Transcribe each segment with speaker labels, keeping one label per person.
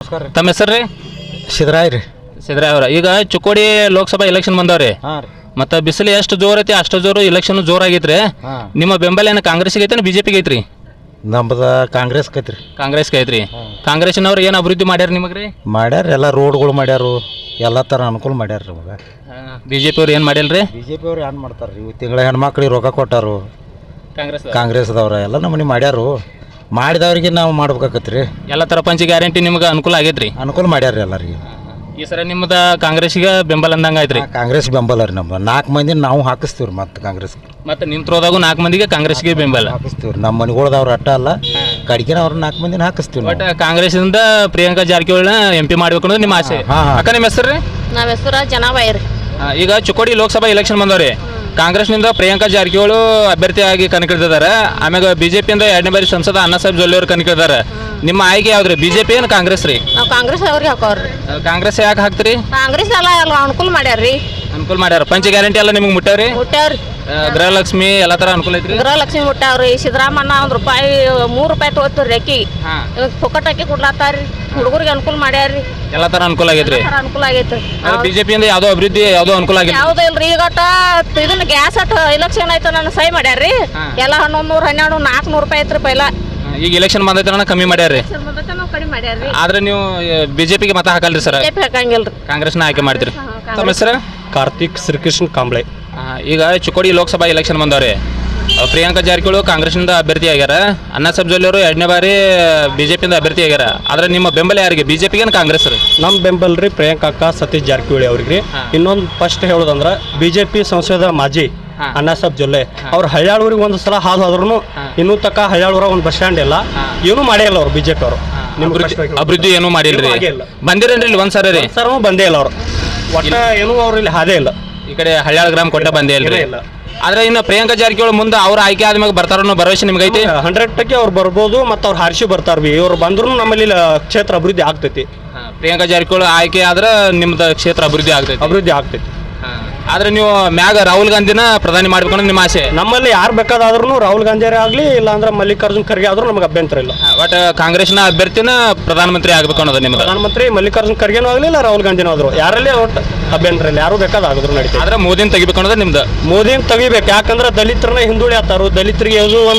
Speaker 1: ನಮಸ್ಕಾರ ರೀ.
Speaker 2: ತಮ್ಮ ಹೆಸರು ರೀ?
Speaker 1: ಸಿದ್ದರಾಯ್ ರೀ.
Speaker 2: ಸಿದ್ದರಾಯ್ ಅವ್ರ. ಈಗ ಚಿಕ್ಕೋಡಿ ಲೋಕಸಭಾ ಎಲೆಕ್ಷನ್ ಬಂದವ್ರಿ.
Speaker 1: ಹಾಂ ರೀ.
Speaker 2: ಮತ್ತು ಬಿಸಿಲು ಎಷ್ಟು ಜೋರ್ ಐತಿ ಅಷ್ಟು ಜೋರು ಎಲೆಕ್ಷನ್ ಜೋರಾಗೈತ್ರಿ. ನಿಮ್ಮ ಬೆಂಬಲ ಏನು ಕಾಂಗ್ರೆಸ್ಗೆ ಐತೆ ಬಿಜೆಪಿಗೆ ಐತ್ರಿ?
Speaker 1: ನಮ್ದು ಕಾಂಗ್ರೆಸ್ ಕೈತ್ರಿ.
Speaker 2: ಕಾಂಗ್ರೆಸ್ಗೆ ಐತ್ರಿ. ಕಾಂಗ್ರೆಸ್ನವ್ರು ಏನು ಅಭಿವೃದ್ಧಿ ಮಾಡ್ಯಾರ ನಿಮಗೆ ರೀ?
Speaker 1: ಮಾಡ್ಯಾರ, ಎಲ್ಲ ರೋಡ್ಗಳು ಮಾಡ್ಯಾರು, ಎಲ್ಲ ಥರ ಅನುಕೂಲ ಮಾಡ್ಯಾರ ರೀ. ಇವಾಗ
Speaker 2: ಬಿಜೆಪಿ ಅವ್ರು ಏನು ಮಾಡಿಲ್ರಿ?
Speaker 1: ಬಿಜೆಪಿ ಅವ್ರು ಏನು ಮಾಡ್ತಾರೆ ರೀ? ತಿಂಗಳ ಹೆಣ್ಮಕ್ಳಿಗೆ ರೊಕ್ಕ ಕೊಟ್ಟಾರು. ಕಾಂಗ್ರೆಸ್ದವ್ರ ಎಲ್ಲ ನಮ್ಮನೆ ಮಾಡ್ಯಾರು. ಮಾಡಿದವ್ರಿಗೆ ನಾವು ಮಾಡ್ಬೇಕಾಗತ್ತೆ ರೀ. ಎಲ್ಲ
Speaker 2: ಥರ ಪಂಚ ಗ್ಯಾರಂಟಿ ನಿಮ್ಗೆ ಅನುಕೂಲ ಆಗೈತ್ರಿ?
Speaker 1: ಅನುಕೂಲ ಮಾಡ್ಯಾರ ರೀ ಎಲ್ಲರಿಗೆ.
Speaker 2: ಈ ಸರ ನಿಮ್ಮದ ಕಾಂಗ್ರೆಸ್ಗೆ ಬೆಂಬಲ ಅಂದಂಗೆ ಆಯ್ತು ರೀ?
Speaker 1: ಕಾಂಗ್ರೆಸ್ ಬೆಂಬಲ ರೀ. ನಮ್ದು 4 ಮಂದಿ ನಾವು ಹಾಕಿಸ್ತೀವಿ ರೀ. ಮತ್ತು ಕಾಂಗ್ರೆಸ್
Speaker 2: ಮತ್ತು ನಿಮ್ಮ ತ್ರೋದಾಗೂ 4 ಮಂದಿಗೆ ಕಾಂಗ್ರೆಸ್ಗೆ ಬೆಂಬಲ
Speaker 1: ಹಾಕಿಸ್ತೀವಿ ರೀ. ನಮ್ಮ ಮನೆಗಳ್ದವ್ರು ಅಟ್ಟ ಅಲ್ಲ, ಕಡಿಕೆ ಅವ್ರು 4 ಮಂದಿನ ಹಾಕಿಸ್ತೀವಿ.
Speaker 2: ಬಟ್ ಕಾಂಗ್ರೆಸ್ಸಿಂದ ಪ್ರಿಯಾಂಕಾ ಜಾರಕಿಹೊಳಿನ MP ಮಾಡಬೇಕು ಅನ್ನೋದು ನಿಮ್ಮ ಆಸೆ. ಅಕ್ಕ ನಿಮ್ಮ ಹೆಸರು ರೀ?
Speaker 3: ನಮ್ಮ ಹೆಸರು ಜನಾಬಾಯಿ ರೀ.
Speaker 2: ಈಗ ಚಿಕ್ಕೋಡಿ ಲೋಕಸಭಾ ಎಲೆಕ್ಷನ್ ಬಂದವ್ರಿ. ಕಾಂಗ್ರೆಸ್ನಿಂದ ಪ್ರಿಯಾಂಕಾ ಜಾರಕಿಹೊಳಿ ಅಭ್ಯರ್ಥಿಯಾಗಿ ಕಣಕ್ಕಿಳಿದಿದ್ದಾರೆ. ಆಮ್ಯಾಗ ಬಿಜೆಪಿಯಿಂದ 2ನೇ ಬಾರಿ ಸಂಸದ ಅಣ್ಣಾಸಾಹೇಬ್ ಜೊಲ್ಲೆ ಅವರು ಕಣಕ್ಕಿಳಿದಾರೆ. ನಿಮ್ಮ ಆಯ್ಕೆ ಯಾವ್ದ್ರಿ? ಬಿಜೆಪಿ ಏನು ಕಾಂಗ್ರೆಸ್ ರೀ?
Speaker 3: ನಾವು ಕಾಂಗ್ರೆಸ್ ಅವ್ರಿಗೆ ಹಾಕೋರಿ.
Speaker 2: ಕಾಂಗ್ರೆಸ್ ಯಾಕೆ ಹಾಕ್ತೀರಿ?
Speaker 3: ಕಾಂಗ್ರೆಸ್ ಎಲ್ಲ ಅನುಕೂಲ ಮಾಡ್ಯಾರ್ರಿ.
Speaker 2: ಅನುಕೂಲ ಮಾಡ್ಯಾರ. ಪಂಚ ಗ್ಯಾರಂಟಿ ಎಲ್ಲ ನಿಮ್ಗೆ ಮುಟ್ಟಾವ್ರಿ?
Speaker 3: ಮುಟ್ಟಾವ್ರಿ.
Speaker 2: ಗೃಹಲಕ್ಷ್ಮಿ ಎಲ್ಲ ಥರ ಅನುಕೂಲ ಐತ್ರಿ?
Speaker 3: ಗೃಹಲಕ್ಷ್ಮಿ ಮುಟ್ಟಾವ್ರಿ. ಸಿದ್ದರಾಮಣ್ಣ ₹1 ತೊಗೋತೀರಿ ಅಕ್ಕಿ. ಪೊಕಟ್ ಅಕ್ಕಿ ಕೊಡ್ಲಾತಾರ್ರಿ. ಹುಡುಗರಿಗೆ ಅನುಕೂಲ ಮಾಡ್ಯಾರ್ರಿ.
Speaker 2: ಎಲ್ಲ ಥರ ಅನುಕೂಲ ಆಗೈತ್ರಿ?
Speaker 3: ಅನುಕೂಲ ಆಗೈತ್ರಿ.
Speaker 2: ಬಿಜೆಪಿಯಿಂದ ಯಾವುದೋ ಅಭಿವೃದ್ಧಿ ಯಾವುದೋ ಅನುಕೂಲ ಆಗಿಲ್ಲ?
Speaker 3: ಯಾವುದೋ ಇಲ್ರಿ. ಈಗ ಇದನ್ನ ಗ್ಯಾಸ್ ಎಲೆಕ್ಷನ್ ಆಯ್ತು, ನನ್ನ ಸಹಿ ಮಾಡ್ಯಾರ್ರಿ. ಎಲ್ಲ 1100 ₹400 ಐತ್ರಿ ಪೈಲ.
Speaker 2: ಈಗ ಎಲೆಕ್ಷನ್ ಬಂದೈತೆ ಕಮ್ಮಿ ಮಾಡ್ಯಾರ್ರಿ.
Speaker 3: ಕಡಿಮೆ ಮಾಡ್ಯಾರ್ರಿ.
Speaker 2: ಆದ್ರೆ ನೀವು ಬಿಜೆಪಿಗೆ ಮತ ಹಾಕಲ್ರಿ ಸರ್?
Speaker 3: ಬಿಜೆಪಿ ಹಾಕಂಗಿಲ್ರಿ.
Speaker 2: ಕಾಂಗ್ರೆಸ್ನ ಆಯ್ಕೆ ಮಾಡ್ತೀರಿ. ತಮ್ಮ ಹೆಸರು?
Speaker 4: ಕಾರ್ತಿಕ್ ಶ್ರೀಕೃಷ್ಣ ಕಾಂಬ್ಳೆ.
Speaker 2: ಈಗ ಚಿಕ್ಕೋಡಿ ಲೋಕಸಭಾ ಎಲೆಕ್ಷನ್ ಬಂದವ್ರಿ. ಪ್ರಿಯಾಂಕಾ ಜಾರಕಿಹೊಳಿ ಕಾಂಗ್ರೆಸ್ನಿಂದ ಅಭ್ಯರ್ಥಿ ಆಗ್ಯಾರ. ಅಣ್ಣಾಸಾಹೇಬ್ ಜೊಲ್ಲೆ ಅವರು 2ನೇ ಬಾರಿ ಬಿಜೆಪಿಯಿಂದ ಅಭ್ಯರ್ಥಿ ಆಗ್ಯಾರ. ಆದ್ರೆ ನಿಮ್ಮ ಬೆಂಬಲ ಯಾರಿಗೆ? ಬಿಜೆಪಿಗೆ ಕಾಂಗ್ರೆಸ್ ರೀ?
Speaker 4: ನಮ್ಮ ಬೆಂಬಲ ರೀ ಪ್ರಿಯಾಂಕಾ ಸತೀಶ್ ಜಾರಕಿಹೊಳಿ ಅವ್ರಿಗೆ. ಇನ್ನೊಂದು ಫಸ್ಟ್ ಹೇಳೋದಂದ್ರೆ ಬಿಜೆಪಿ ಸಂಸದ ಮಾಜಿ ಅಣ್ಣಾಸಾಹೇಬ್ ಜೊಲ್ಲೆ ಅವ್ರು ಹಳ್ಯಾಳೂರಿಗೆ ಒಂದು ಸಲ ಹಾದು ಹೋದ್ರು ಇನ್ನೂ ತಕ್ಕ ಹಳ್ಯಾಳೂರ ಒಂದು ಬಸ್ ಸ್ಟ್ಯಾಂಡ್ ಇಲ್ಲ, ಏನೂ ಮಾಡೇ ಇಲ್ಲ ಅವ್ರು ಬಿಜೆಪಿ ಅವರು.
Speaker 2: ಅಭಿವೃದ್ಧಿ ಏನೂ ಮಾಡಿಲ್ರಿ? ಬಂದಿರೇನ್ರಿ ಇಲ್ಲಿ ಒಂದ್ಸರಿ ರೀ?
Speaker 4: ಸರ್ ಬಂದೇ ಇಲ್ಲ ಅವರು. ಒಟ್ಟ ಏನೂ ಅವ್ರು ಇಲ್ಲಿ ಹಾದೇ ಇಲ್ಲ.
Speaker 2: ಈ ಕಡೆ ಹಳ್ಯಾಳ ಗ್ರಾಮ ಕೊಟ್ಟ ಬಂದೇ ಇಲ್ರಿ. ಆದ್ರೆ ಇನ್ನು ಪ್ರಿಯಾಂಕಾ ಜಾರಕಿಹೊಳಿ ಮುಂದೆ ಅವ್ರ ಆಯ್ಕೆ ಆದ್ಮೇಲೆ ಬರ್ತಾರ ಅನ್ನೋ ಭರವಸೆ ನಿಮ್ಗೆ ಐತಿ?
Speaker 4: 100% ಅವ್ರು ಬರ್ಬೋದು. ಮತ್ತು ಅವ್ರು ಹಾರಿಸಿ ಬರ್ತಾರ. ಇವ್ರು ಬಂದ್ರು ನಮ್ಮಲ್ಲಿ ಕ್ಷೇತ್ರ ಅಭಿವೃದ್ಧಿ ಆಗ್ತೈತಿ.
Speaker 2: ಪ್ರಿಯಾಂಕಾ ಜಾರಕಿಹೊಳಿ ಆಯ್ಕೆ ಆದ್ರೆ ನಿಮ್ದು ಕ್ಷೇತ್ರ ಅಭಿವೃದ್ಧಿ ಆಗ್ತೈತಿ. ಆದ್ರೆ ನೀವು ಮ್ಯಾಗ ರಾಹುಲ್ ಗಾಂಧಿನ ಪ್ರಧಾನಿ ಮಾಡ್ಬೇಕು ಅನ್ನೋದು ನಿಮ್ಮ ಆಸೆ?
Speaker 4: ನಮ್ಮಲ್ಲಿ ಯಾರು ಬೇಕಾದ್ರೂ ರಾಹುಲ್ ಗಾಂಧಿಯರೇ ಆಗಲಿ, ಇಲ್ಲಾಂದ್ರೆ ಮಲ್ಲಿಕಾರ್ಜುನ್ ಖರ್ಗೆ ಆದ್ರೂ ನಮ್ಗೆ ಅಭ್ಯಂತರ ಇಲ್ಲ.
Speaker 2: ಬಟ್ ಕಾಂಗ್ರೆಸ್ನ ಅಭ್ಯರ್ಥಿನ ಪ್ರಧಾನಮಂತ್ರಿ ಆಗ್ಬೇಕು ಅನ್ನೋದು ನಿಮ್ದು?
Speaker 4: ಪ್ರಧಾನಮಂತ್ರಿ ಮಲ್ಲಿಕಾರ್ಜುನ್ ಖರ್ಗೆನೂ ಆಗಲಿ, ಇಲ್ಲ ರಾಹುಲ್ ಗಾಂಧಿನೂ ಆದ್ರು, ಯಾರಲ್ಲಿ ಒಟ್ಟು ಅಭ್ಯಂತರ ಇಲ್ಲ. ಯಾರು ಬೇಕಾದ್ರೂ ನಡೀತದೆ.
Speaker 2: ಆದ್ರೆ ಮೋದಿನ ತೆಗಿಬೇಕು ಅನ್ನೋದು ನಿಮ್ದು?
Speaker 4: ಮೋದಿನ ತೆಗಿಬೇಕು. ಯಾಕಂದ್ರೆ ದಲಿತರನ್ನ ಹಿಂದುಳಿ ಆತಾರು. ದಲಿತರಿಗೆ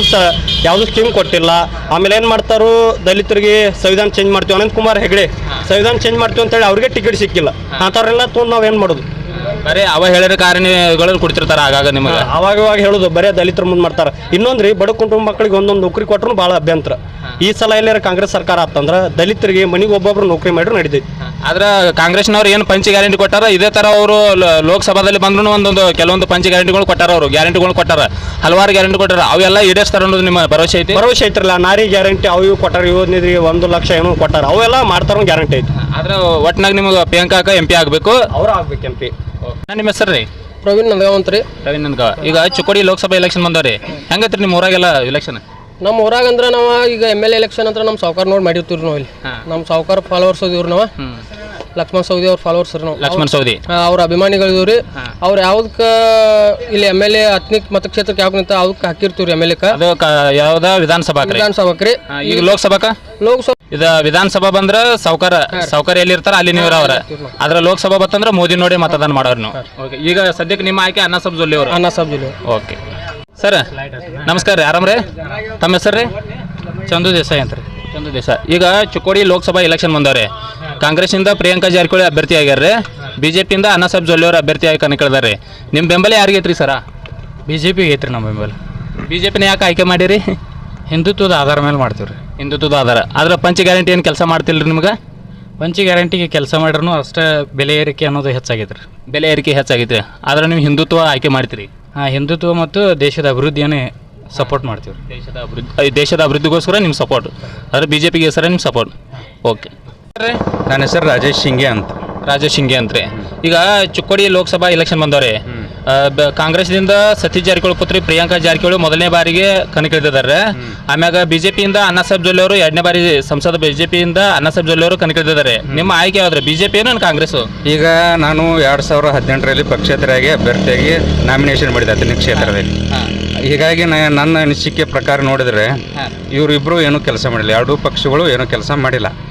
Speaker 4: ಯಾವುದು ಸ್ಕೀಮ್ ಕೊಟ್ಟಿಲ್ಲ. ಆಮೇಲೆ ಏನು ಮಾಡ್ತಾರು, ದಲಿತರಿಗೆ ಸಂವಿಧಾನ ಚೇಂಜ್ ಮಾಡ್ತೀವಿ. ಅನಂತ್ ಕುಮಾರ್ ಹೆಗಡೆ ಸಂವಿಧಾನ ಚೇಂಜ್ ಮಾಡ್ತೀವಿ ಅಂತೇಳಿ ಅವ್ರಿಗೆ ಟಿಕೆಟ್ ಸಿಕ್ಕಿಲ್ಲ. ಅಂಥವ್ರೆಲ್ಲ ತೊಗೊಂಡು ನಾವೇನು ಮಾಡೋದು?
Speaker 2: ಬರೀ ಅವ ಹೇಳಿದ ಕಾರಣಗಳನ್ನು ಕೊಡ್ತಿರ್ತಾರ ಆಗಾಗ ನಿಮಗೆ?
Speaker 4: ಅವಾಗ ಹೇಳೋದು ಬರೀ ದಲಿತರ ಮುಂದೆ ಮಾಡ್ತಾರೆ. ಇನ್ನೊಂದ್ರಿ ಬಡ ಕುಟುಂಬ ಮಕ್ಕಳಿಗೆ ಒಂದೊಂದು ನೌಕರಿ ಕೊಟ್ಟರು ಭಾಳ ಅಭ್ಯಂತರ. ಈ ಸಲ ಎಲ್ಲಾರ ಕಾಂಗ್ರೆಸ್ ಸರ್ಕಾರ ಆತಂದ್ರೆ ದಲಿತರಿಗೆ ಮನೆಗೆ ಒಬ್ಬೊಬ್ರು ನೌಕರಿ ಮಾಡಿದ್ರು ನಡೀತೈತಿ.
Speaker 2: ಆದ್ರೆ ಕಾಂಗ್ರೆಸ್ನವ್ರು ಏನು ಪಂಚ ಗ್ಯಾರಂಟಿ ಕೊಟ್ಟಾರ, ಇದೇ ಥರ ಅವರು ಲೋಕಸಭಾದಲ್ಲಿ ಬಂದ್ರು ಕೆಲವೊಂದು ಪಂಚ ಗ್ಯಾರಂಟಿಗಳು ಕೊಟ್ಟಾರ. ಅವರು ಗ್ಯಾರಂಟಿಗಳು ಕೊಟ್ಟಾರ, ಹಲವಾರು ಗ್ಯಾರಂಟಿ ಕೊಟ್ಟಾರ. ಅವೆಲ್ಲ ಈಡೇರಿಸ್ತಾರ ಅನ್ನೋದು ನಿಮ್ಮ ಭರವಸೆ ಐತಿ?
Speaker 4: ಭರವಸೆ ಐತ್ರಲ್ಲ. ನಾರಿ ಗ್ಯಾರಂಟಿ ಅವು ಇವು ಕೊಟ್ಟಾರ. ಯೋಜನೆಗೆ 1 ಲಕ್ಷ ಏನೋ ಕೊಟ್ಟಾರ. ಅವೆಲ್ಲ ಮಾಡ್ತಾರೋ ಗ್ಯಾರಂಟಿ ಐತಿ.
Speaker 2: ಆದ್ರೆ ಒಟ್ಟಿನಾಗ ನಿಮ್ಗೆ ಪ್ರಿಯಾಂಕಾ MP ಆಗಬೇಕು.
Speaker 4: ಅವ್ರು ಆಗ್ಬೇಕು MP.
Speaker 2: ನಿಮ್ಮ ಹೆಸರು ರೀ?
Speaker 5: ಪ್ರವೀಣ್ ನಂದಗಾವಂತ ರೀ.
Speaker 2: ಪ್ರವೀಣ್ ನಂದಗಾವ. ಈಗ ಚಿಕ್ಕೋಡಿ ಲೋಕಸಭಾ ಎಲೆಕ್ಷನ್ ಬಂದವ್ರಿ. ಹೆಂಗೈತ್ರಿ ನಿಮ್ಮ ಊರಾಗೆಲ್ಲ ಎಲೆಕ್ಷನ್?
Speaker 5: ನಮ್ಮ ಊರಾಗ ಅಂದ್ರೆ ನಾವು ಈಗ MLA ಎಲೆಕ್ಷನ್ ಅಂತ ನಮ್ಮ ಸಾವುಕಾರ ನೋಡಿ ಮಾಡಿರ್ತೀವಿ ನಾವು. ಇಲ್ಲಿ ನಮ್ಮ ಸಾವುಕಾರ ಫಾಲೋವರ್ಸ್ ಇವ್ರು ನಾವು. ಲಕ್ಷ್ಮಣ್ ಸವದಿ ಅವ್ರ ಫಾಲೋವರ್ಸ್ ರೀ ನಾವು.
Speaker 2: ಲಕ್ಷ್ಮಣ್ ಸವದಿ
Speaker 5: ಅವ್ರ ಅಭಿಮಾನಿಗಳಿವ್ರಿ ರೀ. ಅವ್ರು ಯಾವ್ದಕ್ಕೆ ಇಲ್ಲಿ MLA ಹತ್ತನೇ ಮತಕ್ಷೇತ್ರಕ್ಕೆ ಯಾವಾಗ ನಿಂತ ಅದಕ್ಕೆ ಹಾಕಿರ್ತೀವಿ ರೀ MLA.
Speaker 2: ಅದು ಯಾವ್ದ ವಿಧಾನಸಭಾಕ್ ರೀ? ಈಗ ಲೋಕಸಭಾ ಇದು ವಿಧಾನಸಭಾ ಬಂದ್ರ ಸಾವುಕಾರ ಎಲ್ಲಿ ಇರ್ತಾರ ಅಲ್ಲಿ ನೀವು ಅವ್ರ. ಆದ್ರೆ ಲೋಕಸಭಾ ಬತ್ತಂದ್ರ ಮೋದಿ ನೋಡಿ ಮತದಾನ ಮಾಡೋರು ನೀವು. ಈಗ ಸದ್ಯಕ್ಕೆ ನಿಮ್ಮ ಆಯ್ಕೆ ಅಣ್ಣಾಸಾಹೇಬ್ ಜೊಲ್ಲೆ ಅವರು?
Speaker 5: ಅಣ್ಣಾಸಾಹೇಬ್ ಜೊಲ್ಲೆ.
Speaker 2: ಓಕೆ ಸರ್, ನಮಸ್ಕಾರ ರೀ. ಆರಾಮ್ರಿ? ತಮ್ಮ ಹೆಸರು ರೀ?
Speaker 6: ಚಂದು ದೇಸಾಯಿ ಅಂತ ರೀ.
Speaker 2: ಚಂದು ದೇಸಾಯಿ. ಈಗ ಚಿಕ್ಕೋಡಿ ಲೋಕಸಭಾ ಎಲೆಕ್ಷನ್ ಬಂದವ್ರಿ. ಕಾಂಗ್ರೆಸ್ನಿಂದ ಪ್ರಿಯಾಂಕಾ ಜಾರಕಿಹೊಳಿ ಅಭ್ಯರ್ಥಿ ಆಗ್ಯಾರ್ರಿ. ಬಿಜೆಪಿಯಿಂದ ಅಣ್ಣಾಸಾಹೇಬ್ ಜೊಲ್ಲೆ ಅವರು ಅಭ್ಯರ್ಥಿಯಾಗಿ ಕಣಕ್ಕಿಳಿದಾರೆ. ನಿಮ್ಮ ಬೆಂಬಲ ಯಾರಿಗೈತ್ರಿ ಸರ?
Speaker 6: ಬಿಜೆಪಿಗೆ ಐತ್ರಿ ನಮ್ಮ ಬೆಂಬಲ.
Speaker 2: ಬಿಜೆಪಿನ ಯಾಕೆ ಆಯ್ಕೆ ಮಾಡಿರಿ?
Speaker 6: ಹಿಂದುತ್ವದ ಆಧಾರ ಮೇಲೆ ಮಾಡ್ತೀವಿ ರೀ.
Speaker 2: ಹಿಂದುತ್ವದ ಆಧಾರ. ಆದ್ರೆ ಪಂಚ ಗ್ಯಾರಂಟಿ ಏನು ಕೆಲಸ ಮಾಡ್ತಿಲ್ರಿ ನಿಮ್ಗೆ?
Speaker 6: ಪಂಚ ಗ್ಯಾರಂಟಿಗೆ ಕೆಲಸ ಮಾಡ್ರೂ ಅಷ್ಟೇ ಬೆಲೆ ಏರಿಕೆ ಅನ್ನೋದು ಹೆಚ್ಚಾಗೈತೆ ರೀ.
Speaker 2: ಬೆಲೆ ಏರಿಕೆ ಹೆಚ್ಚಾಗೈತೆ. ಆದ್ರೆ ನೀವು ಹಿಂದುತ್ವ ಆಯ್ಕೆ ಮಾಡ್ತೀರಿ?
Speaker 6: ಹಿಂದುತ್ವ ಮತ್ತು ದೇಶದ ಅಭಿವೃದ್ಧಿಯನ್ನೇ ಸಪೋರ್ಟ್ ಮಾಡ್ತೀವಿ ರೀ.
Speaker 2: ದೇಶದ ಅಭಿವೃದ್ಧಿಗೋಸ್ಕರ ನಿಮ್ಮ ಸಪೋರ್ಟ್. ಆದರೆ ಬಿಜೆಪಿಗೆ ಹೆಸರೇ ನಿಮ್ಮ ಸಪೋರ್ಟ್. ಓಕೆ.
Speaker 7: ನನ್ನ ಹೆಸರು ರಾಜೇಶ್ ಶಿಂಗೆ ಅಂತ.
Speaker 2: ರಾಜೇಶ್ ಶಿಂಗೆ ಅಂತ್ರಿ. ಈಗ ಚಿಕ್ಕೋಡಿ ಲೋಕಸಭಾ ಎಲೆಕ್ಷನ್ ಬಂದವ್ರಿ. ಕಾಂಗ್ರೆಸ್ನಿಂದ ಸತೀಶ್ ಜಾರಕಿಹೊಳಿ ಪುತ್ರಿ ಪ್ರಿಯಾಂಕಾ ಜಾರಕಿಹೊಳಿ ಮೊದಲನೇ ಬಾರಿಗೆ ಕಣಕ್ಕಿಳಿದಿದ್ದಾರೆ. ಆಮ್ಯಾಗ ಬಿಜೆಪಿಯಿಂದ ಅಣ್ಣಾಸಾಹೇಬ್ ಜೊಲ್ಲೆ ಅವರು 2ನೇ ಬಾರಿ ಸಂಸದ ಬಿಜೆಪಿಯಿಂದ ಅಣ್ಣಾಸಾಹೇಬ್ ಜೊಲ್ಲೆ ಅವರು ಕಣಕ್ಕಿಳಿದಿದ್ದಾರೆ. ನಿಮ್ಮ ಆಯ್ಕೆ ಯಾವ್ದ್ರೆ? ಬಿಜೆಪಿ ಏನು ಕಾಂಗ್ರೆಸ್?
Speaker 7: ಈಗ ನಾನು 2018ರಲ್ಲಿ ಪಕ್ಷೇತರಾಗಿ ಅಭ್ಯರ್ಥಿಯಾಗಿ ನಾಮಿನೇಷನ್ ಮಾಡಿದೆ ಹತ್ತನೇ ಕ್ಷೇತ್ರದಲ್ಲಿ. ಹೀಗಾಗಿ ನನ್ನ ಅನಿಸಿಕೆ ಪ್ರಕಾರ ನೋಡಿದ್ರೆ ಇವರಿಬ್ಬರು ಏನೂ ಕೆಲಸ ಮಾಡಿಲ್ಲ. ಎರಡೂ ಪಕ್ಷಗಳು ಏನೂ ಕೆಲಸ ಮಾಡಿಲ್ಲ.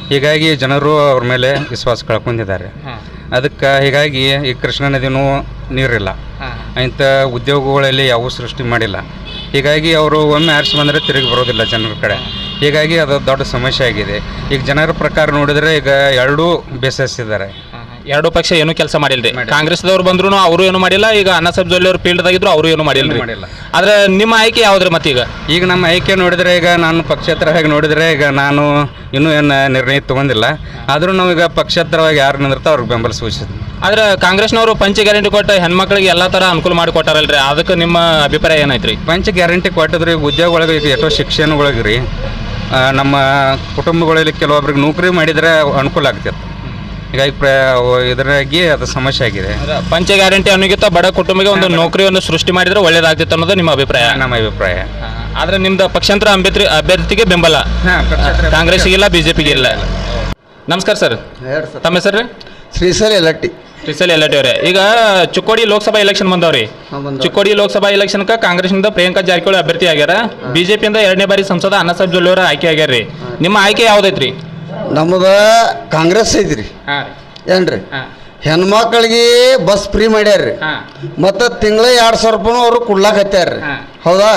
Speaker 7: ಹೀಗಾಗಿ ಜನರು ಅವ್ರ ಮೇಲೆ ವಿಶ್ವಾಸ ಕಳ್ಕೊಂಡಿದ್ದಾರೆ. ಅದಕ್ಕೆ ಹೀಗಾಗಿ ಈ ಕೃಷ್ಣಾ ನದಿನೂ ನೀರಿಲ್ಲ, ಇಂಥ ಉದ್ಯೋಗಗಳಲ್ಲಿ ಯಾವ ಸೃಷ್ಟಿ ಮಾಡಿಲ್ಲ. ಹೀಗಾಗಿ ಅವರು ಒಮ್ಮೆ ಆರಿಸಿ ಬಂದರೆ ತಿರುಗಿ ಬರೋದಿಲ್ಲ ಜನರ ಕಡೆ. ಹೀಗಾಗಿ ಅದು ದೊಡ್ಡ ಸಮಸ್ಯೆ ಆಗಿದೆ. ಈಗ ಜನರ ಪ್ರಕಾರ ನೋಡಿದರೆ ಈಗ ಎರಡೂ ಬೇಸರಿಸಿದ್ದಾರೆ.
Speaker 2: ಎರಡು ಪಕ್ಷ ಏನು ಕೆಲಸ ಮಾಡಿಲ್ರಿ. ಕಾಂಗ್ರೆಸ್ದವ್ರು ಬಂದ್ರು ಅವರು ಏನು ಮಾಡಿಲ್ಲ. ಈಗ ಅಣ್ಣಾಸಾಹೇಬ್ ಜೊಲ್ಲೆ ಅವರು ಫೀಲ್ಡ್ದಾಗಿದ್ರು ಅವರು ಏನು ಮಾಡಿಲ್ಲ. ಆದ್ರೆ ನಿಮ್ಮ ಆಯ್ಕೆ ಯಾವ್ದ್ರಿ ಮತ್ತೀಗ?
Speaker 7: ಈಗ ನಮ್ಮ ಆಯ್ಕೆ ನೋಡಿದರೆ ಈಗ ನಾನು ಪಕ್ಷೇತರವಾಗಿ ನೋಡಿದರೆ ಈಗ ನಾನು ಇನ್ನೂ ಏನು ನಿರ್ಣಯ ತೊಗೊಂಡಿಲ್ಲ. ಆದರೂ ನಾವೀಗ ಪಕ್ಷೇತರವಾಗಿ ಯಾರು ನಿಂದಿರ್ತಾ ಅವ್ರಿಗೆ ಬೆಂಬಲ ಸೂಚಿಸ್ತೀವಿ.
Speaker 2: ಆದ್ರೆ ಕಾಂಗ್ರೆಸ್ನವರು ಪಂಚ ಗ್ಯಾರಂಟಿ ಕೊಟ್ಟು ಹೆಣ್ಮಕ್ಳಿಗೆ ಎಲ್ಲ ಥರ ಅನುಕೂಲ ಮಾಡಿ ಕೊಟ್ಟಾರಲ್ರಿ, ಅದಕ್ಕೆ ನಿಮ್ಮ ಅಭಿಪ್ರಾಯ ಏನೈತ್ರಿ?
Speaker 7: ಪಂಚ ಗ್ಯಾರಂಟಿ ಕೊಟ್ಟಿದ್ರಿ ಉದ್ಯೋಗಗಳಿಗೆ ಈಗ ಎಷ್ಟೋ ಶಿಕ್ಷಣಗಳಿಗೆ ರೀ ನಮ್ಮ ಕುಟುಂಬಗಳಲ್ಲಿ ಕೆಲವೊಬ್ರಿಗೆ ನೌಕರಿ ಮಾಡಿದರೆ ಅನುಕೂಲ ಆಗ್ತಿತ್ತು. ಹೀಗಾಗಿ ಇದರಾಗಿ ಅದು ಸಮಸ್ಯೆ ಆಗಿದೆ.
Speaker 2: ಪಂಚ ಗ್ಯಾರಂಟಿ ಅನ್ನೋಗಿಂತ ಬಡ ಕುಟುಂಬಕ್ಕೆ ಒಂದು ನೌಕರಿಯನ್ನು ಸೃಷ್ಟಿ ಮಾಡಿದ್ರೆ ಒಳ್ಳೇದಾಗ್ತಿತ್ತು ಅನ್ನೋದು ನಿಮ್ಮ ಅಭಿಪ್ರಾಯ?
Speaker 7: ನಮ್ಮ ಅಭಿಪ್ರಾಯ.
Speaker 2: ಆದ್ರೆ ನಿಮ್ದು ಪಕ್ಷಾಂತರ ಅಭ್ಯರ್ಥಿಗೆ ಬೆಂಬಲ, ಕಾಂಗ್ರೆಸ್ಗೆ ಇಲ್ಲ, ಬಿಜೆಪಿಗೆ ಇಲ್ಲ. ನಮಸ್ಕಾರ ಸರ್, ತಮ್ಮ ಹೆಸರು?
Speaker 8: ಶ್ರೀಸಲ್ ಯಲಟ್ಟಿ.
Speaker 2: ಶ್ರೀಸಲ್ ಯಲಟ್ಟಿ ಅವರೇ, ಈಗ ಚಿಕ್ಕೋಡಿ ಲೋಕಸಭಾ ಎಲೆಕ್ಷನ್ ಬಂದವ್ರಿ. ಚಿಕ್ಕೋಡಿ ಲೋಕಸಭಾ ಎಲೆಕ್ಷನ್ಗೆ ಕಾಂಗ್ರೆಸ್ನಿಂದ ಪ್ರಿಯಾಂಕಾ ಜಾರಕಿಹೊಳಿ ಅಭ್ಯರ್ಥಿ ಆಗ್ಯಾರ. ಬಿಜೆಪಿಯಿಂದ 2ನೇ ಬಾರಿ ಸಂಸದ ಅಣ್ಣಾಸಾಹೇಬ್ ಜೊಲ್ಲೆ ಅವರ ಆಯ್ಕೆ ಆಗ್ಯಾರ್ರಿ. ನಿಮ್ಮ ಆಯ್ಕೆ ಯಾವ್ದೈತ್ರಿ?
Speaker 8: ನಮ್ಮದು ಕಾಂಗ್ರೆಸ್ ಐತ್ರಿ. ಏನ್ರಿ ಹೆಣ್ಮಕ್ಳಿಗೆ ಬಸ್ ಫ್ರೀ ಮಾಡ್ಯಾರ್ರಿ, ಮತ್ತು ತಿಂಗಳ 2,000 ರೂಪಾಯಿ ಅವರು ಕೊಡ್ಲಾಕತ್ಯಾರ್ರಿ. ಹೌದಾ?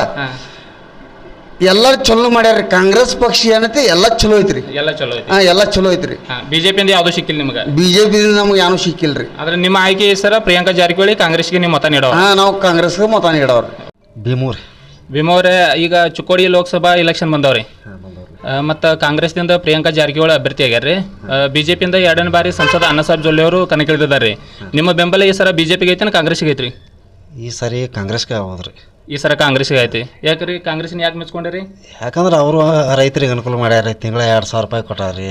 Speaker 8: ಎಲ್ಲ ಚಲೋ ಮಾಡ್ಯಾರ್ರಿ. ಕಾಂಗ್ರೆಸ್ ಪಕ್ಷ ಏನೈತಿ ಎಲ್ಲ ಚಲೋ ಐತ್ರಿ.
Speaker 2: ಎಲ್ಲ ಚಲೋ ಐತಿ.
Speaker 8: ಎಲ್ಲ ಚಲೋ ಐತ್ರಿ.
Speaker 2: ಬಿಜೆಪಿಯಿಂದ ಯಾವ್ದು ಸಿಕ್ಕಿಲ್ಲ ನಿಮ್ಗೆ?
Speaker 8: ಬಿಜೆಪಿ ನಮ್ಗೆ ಏನೂ ಸಿಕ್ಕಿಲ್ರಿ.
Speaker 2: ಆದ್ರೆ ನಿಮ್ಮ ಆಯ್ಕೆ ಸರ ಪ್ರಿಯಾಂಕಾ ಜಾರಕಿಹೊಳಿ, ಕಾಂಗ್ರೆಸ್ಗೆ ನೀವು ಮತ ನೀಡೋ?
Speaker 8: ನಾವು ಕಾಂಗ್ರೆಸ್ಗೆ ಮತ ನೀಡವ್ರಿ.
Speaker 2: ಭೀಮವ್ರೆ, ಈಗ ಚಿಕ್ಕೋಡಿ ಲೋಕಸಭಾ ಎಲೆಕ್ಷನ್ ಬಂದವ್ರಿ. ಮತ್ತು ಕಾಂಗ್ರೆಸ್ನಿಂದ ಪ್ರಿಯಾಂಕಾ ಜಾರಕಿಹೊಳಿ ಅಭ್ಯರ್ಥಿ ಆಗ್ಯಾರ್ರಿ. ಬಿಜೆಪಿಯಿಂದ 2ನೇ ಬಾರಿ ಸಂಸದ ಅಣ್ಣಾಸಾಹೇಬ್ ಜೊಲ್ಲೆ ಅವರು ಕಣಕ್ಕಿಳಿದಿದ್ದಾರೆ. ನಿಮ್ಮ ಬೆಂಬಲ ಈ ಸರ ಬಿಜೆಪಿಗೆ ಐತಿ ಕಾಂಗ್ರೆಸ್ಗೆ ಐತ್ರಿ?
Speaker 1: ಈ ಸರಿ ಕಾಂಗ್ರೆಸ್ಗೆ ಆಗೋದ್ರಿ.
Speaker 2: ಈ ಸರ ಕಾಂಗ್ರೆಸ್ಗೆ ಐತಿ. ಯಾಕ್ರಿ ಕಾಂಗ್ರೆಸ್ನ ಯಾಕೆ ಮೆಚ್ಕೊಂಡಿರಿ?
Speaker 1: ಯಾಕಂದ್ರೆ ಅವರು ರೈತರಿಗೆ ಅನುಕೂಲ ಮಾಡ್ಯಾರ. ತಿಂಗಳ 2,000 ರೂಪಾಯಿ ಕೊಟ್ಟಾರ್ರಿ.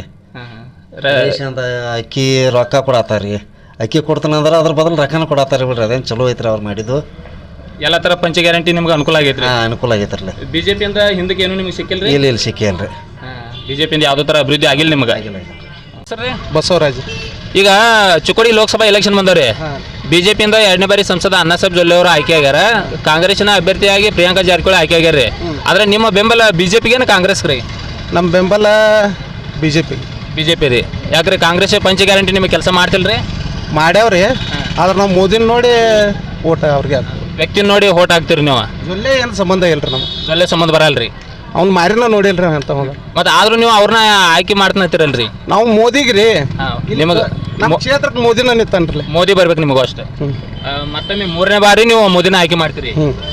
Speaker 1: ಅಂತ ಅಕ್ಕಿ ರೊಕ್ಕ ಕೊಡತ್ತಾರ್ರಿ. ಅಕ್ಕಿ ಕೊಡ್ತಾನಂದ್ರೆ ಅದ್ರ ಬದಲು ರೊಕ್ಕನ ಕೊಡತ್ತಾರ ಬಿಡ್ರಿ. ಅದೇನು ಚಲೋ ಐತ್ರಿ ಅವ್ರು ಮಾಡಿದ್ದು.
Speaker 2: ಎಲ್ಲ ಥರ ಪಂಚ ಗ್ಯಾರಂಟಿ ನಿಮ್ಗೆ ಅನುಕೂಲ ಆಗೈತ್ರಿ?
Speaker 1: ಅನುಕೂಲ ಆಗೈತ್ರಲ್ಲ.
Speaker 2: ಬಿಜೆಪಿಯಿಂದ ಹಿಂದಕ್ಕೆ ಏನು ನಿಮ್ಗೆ ಸಿಕ್ಕಿಲ್ರಿ?
Speaker 1: ಇಲ್ಲಿ ಸಿಕ್ಕಿಲ್ರಿ.
Speaker 2: ಬಿಜೆಪಿಯಿಂದ ಯಾವುದೋ ಥರ ಅಭಿವೃದ್ಧಿ ಆಗಿಲ್ಲ ನಿಮ್ಗೆ? ಸರ್ ರೀ
Speaker 5: ಬಸವರಾಜ್.
Speaker 2: ಈಗ ಚಿಕ್ಕೋಡಿ ಲೋಕಸಭಾ ಎಲೆಕ್ಷನ್ ಬಂದವ್ರಿ. ಬಿಜೆಪಿಯಿಂದ 2ನೇ ಬಾರಿ ಸಂಸದ ಅಣ್ಣಾಸಾಹೇಬ್ ಜೊಲ್ಲೆ ಅವರು ಆಯ್ಕೆ ಆಗ್ಯಾರ. ಕಾಂಗ್ರೆಸ್ನ ಅಭ್ಯರ್ಥಿಯಾಗಿ ಪ್ರಿಯಾಂಕಾ ಜಾರಕಿಹೊಳಿ ಆಯ್ಕೆ ಆಗ್ಯಾರ್ರಿ. ಆದ್ರೆ ನಿಮ್ಮ ಬೆಂಬಲ ಬಿಜೆಪಿಗೇನು ಕಾಂಗ್ರೆಸ್ ರೀ?
Speaker 5: ನಮ್ಮ ಬೆಂಬಲ ಬಿಜೆಪಿ
Speaker 2: ರೀ. ಯಾಕ್ರಿ ಕಾಂಗ್ರೆಸ್ ಪಂಚ ಗ್ಯಾರಂಟಿ ನಿಮಗೆ ಕೆಲಸ ಮಾಡ್ತಿಲ್ರಿ?
Speaker 5: ಮಾಡ್ಯಾವ್ರಿ. ಆದ್ರೆ ನಾವು ಮೋದಿನ ನೋಡಿ ಓಟ್ ಅವ್ರಿಗೆ
Speaker 2: ವ್ಯಕ್ತಿ ನೋಡಿ ಓಟ್ ಹಾಕ್ತಿರಿ ನೀವು?
Speaker 5: ಜೊಲ್ಲೆ ಏನು ಸಂಬಂಧ ಇಲ್ರಿ. ನಮ್ಮ
Speaker 2: ಜೊಲ್ಲೆ ಸಂಬಂಧ ಬರಲ್ರಿ.
Speaker 5: ಅವ್ನು ಮಾರಿನ ನೋಡಿಲ್ರಿ ಅಂತ.
Speaker 2: ಮತ್ತೆ ಆದ್ರೂ ನೀವು ಅವ್ರನ್ನ ಆಯ್ಕೆ ಮಾಡ್ತಾನತ್ತಿರಲ್ರಿ?
Speaker 5: ನಾವು ಮೋದಿಗೆ ರೀ.
Speaker 2: ನಿಮಗೆ
Speaker 5: ನಮ್ಮ ಕ್ಷೇತ್ರಕ್ಕೆ ಮೋದಿನ ನಿಂತಾನ್ರಿ.
Speaker 2: ಮೋದಿ ಬರ್ಬೇಕು ನಿಮಗೂ ಅಷ್ಟೇ. ಮತ್ತೊಮ್ಮೆ 3ನೇ ಬಾರಿ ನೀವು ಮೋದಿನ ಆಯ್ಕೆ ಮಾಡ್ತೀರಿ.